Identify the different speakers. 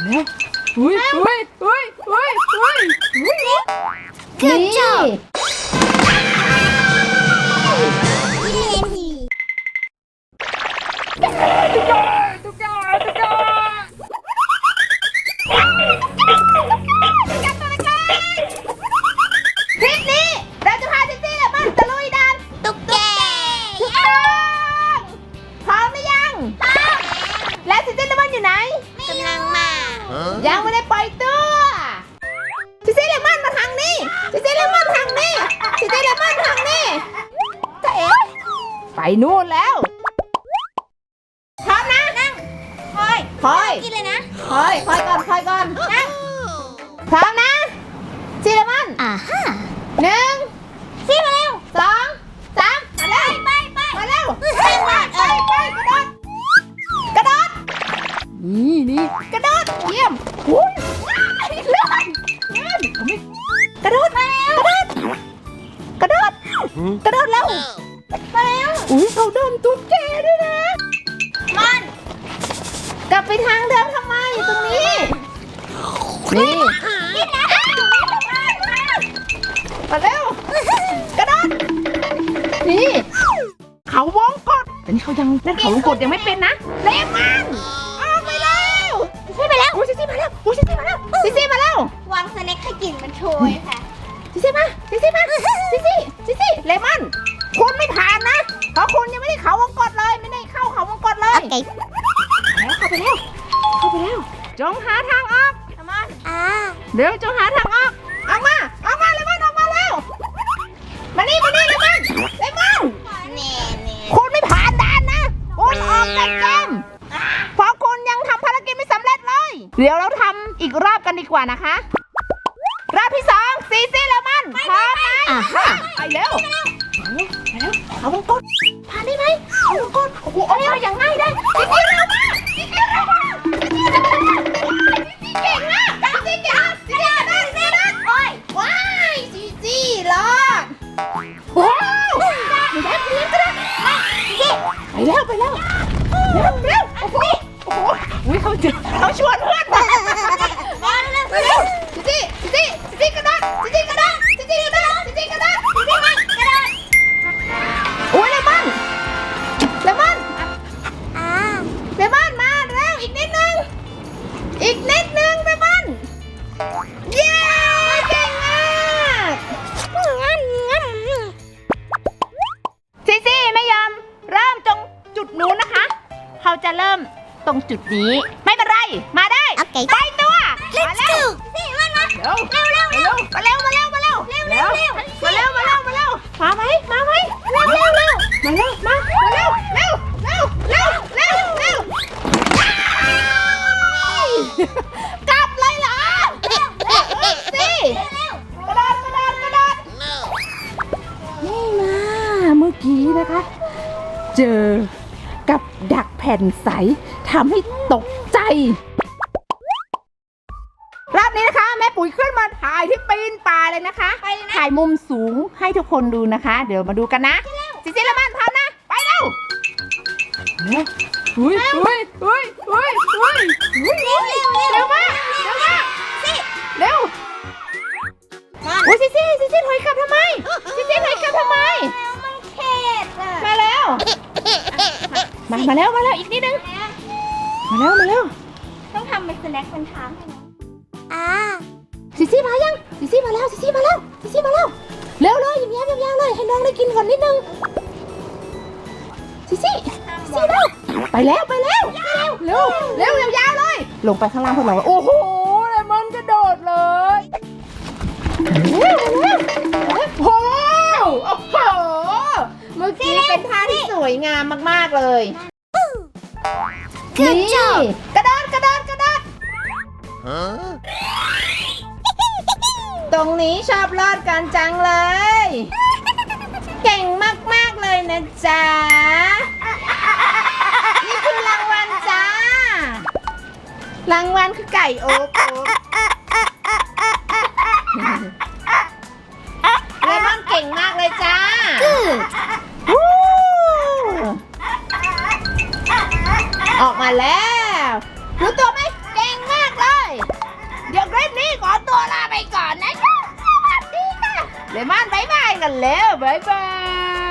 Speaker 1: แล้วอุ้ย
Speaker 2: Good job
Speaker 1: คลิปนี้เราจะพาซิซี่และมันตะลุยด่าน
Speaker 2: ตุ๊กแก
Speaker 1: ถูกต้องพร้อมหรือยังและซิซี่และมันอยู่ไหน
Speaker 2: กำลังมา
Speaker 1: ยังไม่ได้ปล่อยตัวซิซี่และมันมาทางนี้ซิซี่และมันทางนี้ซิซี่และมันทางนี้จะเอ๋ไปนู่นแล้วพร้อมนะนั่งคอย
Speaker 2: กินเลยนะ
Speaker 1: คอยก่อนนั่งพร้อมนะซิซี่และมัน
Speaker 2: ฮะ
Speaker 1: 1
Speaker 2: ซี่มาเร็ว
Speaker 1: 2 3มาเร็ว
Speaker 2: ไป
Speaker 1: มาเร็ว
Speaker 2: ไป
Speaker 1: กระโดดนี่กระโดดเยี่ยมอุ้ยเลื่อนกระโดดแล้ว
Speaker 2: มาเร็ว
Speaker 1: อุ้ยเขาเดินตุ๊กแกด้วยนะ
Speaker 2: มัน
Speaker 1: กลับไปทางเดิมทำไมอยู่ตรงนี้นี่
Speaker 2: กินนะ
Speaker 1: มาเร็วกระโดดนี่เขาวงกดแต่นี่เขายังเล่นเขาวงกดยังไม่เป็นนะเลมันออกไปแล้วซิซี่มาแล้วซิซี่มาแล้ว
Speaker 2: วางสแน็คให้กลิ่นมันโชยค่ะ
Speaker 1: ซิซี่เลมอนคุณไม่ผ่านนะเพราะคุณยังไม่ได้เข้าวงกดเลยไม่ได้เข้าเขาวงกดเลย
Speaker 2: โอเค
Speaker 1: เข้าไปแล้วจงหาทางออก เดี๋ยวจงหาทางออกเลมอนออกมาแล้วมานี่เลมอน
Speaker 2: เน่
Speaker 1: คุณไม่ผ่านด่านนะคุณออกจากเกมเพราะคุณยังทำภารกิจไม่สำเร็จเลยเดี๋ยวเราทำอีกรอบกันดีกว่านะคะรอบที่2ซีซี่เลมอนพร้อมไหมไปเร็วเขาวงกดผ่านได้ไหมเขาวงกดโอ้โหออกมาอย่างง่ายได้ซีซี่เร็วมากซีซี่เก่งมากซีซี่โอ้ยว้ายซีซี่รอดว้าวไปแล้วเร็วโอ้โหอุ้ยเขาชวนเพื่อนมาเร็วซีซี่กระโดดโอ้ยเลมอนมาเร็วอีกนิดนึงเลมอนเย้เก่งมากซีซี่ไม่ยอมเริ่มตรงจุดนู้นนะคะเขาจะเริ่มตรงจุดนี้ไม่เป็นไรมาได้
Speaker 2: โอเค
Speaker 1: ไปตัว
Speaker 2: Let's go ซี่มันมา
Speaker 1: เร็วมาเร็วมาไหมกลับเลยเหรสิกระโดดนี่มาเมื่อกี้นะคะเจอกับดักแผ่นใสทำให้ตกใจรอบนี้นะคะแม่ปุ๋ยขึ้นมาถ่ายที่ปีนป่าเลยนะคะถ่ายมุมสูงให้ทุกคนดูนะคะเดี๋ยวมาดูกันนะซิซี่ละมันพร้อมนะไปเร็วเร็วมากเร็วโอ้ยซิซี่ถอยกลับทำไม
Speaker 2: มันเข็ดอ่ะ
Speaker 1: มาแล้วมาแล้วอีกนิดนึงมาแล้ว
Speaker 2: ต้องทำเป็นสแน็คเป็นทาง
Speaker 1: ซิซี่มายังซิซี่มาแล้วเร็วเลยยาวเลยให้น้องได้กินก่อนนิดนึงซิซี่เร็วไปแล้วเร็วยาวเลยลงไปข้างล่างพวกเราโอ้โหเลมอนกระโดดเลยโอ้โหเมื่อกี้เป็นท่าที่สวยงามมากๆเลยนี่กระโดดตรงนี้ชอบรอดกันจังเลยเก่งมากๆเลยนะจ๊ะนี่คือรางวัลจ้ารางวัลคือไก่โอ๊กเลมอนเก่งมากเลยจ้าออกมาแล้วรู้ตัวไหมเก่งมากเลยเลมอนบายบายกันแล้วบายบาย